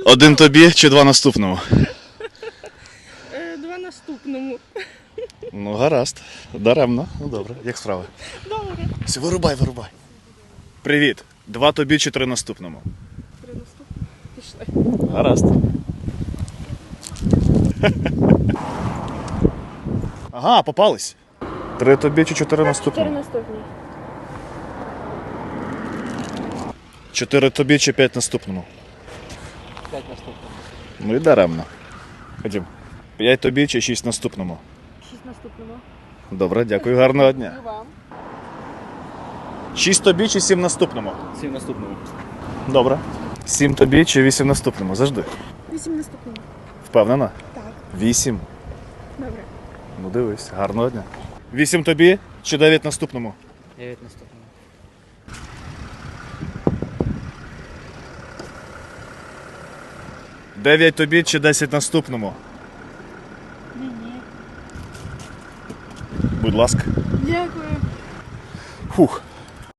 1 тобі чи 2 наступному? 2 наступному. Ну, гаразд. Даремно. Ну, добре. Як справи? Добре. Все, вирубай. Привіт. 2 тобі чи 3 наступному? 3 наступному. Пішли. Гаразд. Ага, попались. 3 тобі чи 4 наступному? 4 наступні. 4 тобі чи 5 наступному? 5 наступному. Ну і даремно. Ходім. 5 тобі чи 6 наступному? 6 наступному. Добре, дякую, гарного дня. І вам. 6 тобі чи 7 наступному? 7 наступному. Добре. 7 тобі чи 8 наступному? Завжди. 8 наступному. Впевнена? Так. 8. Добре. Ну дивись, гарного дня. 8 тобі чи 9 наступному? 9 наступному. 9 тобі чи 10 наступному? Ні. Будь ласка. Дякую. Фух.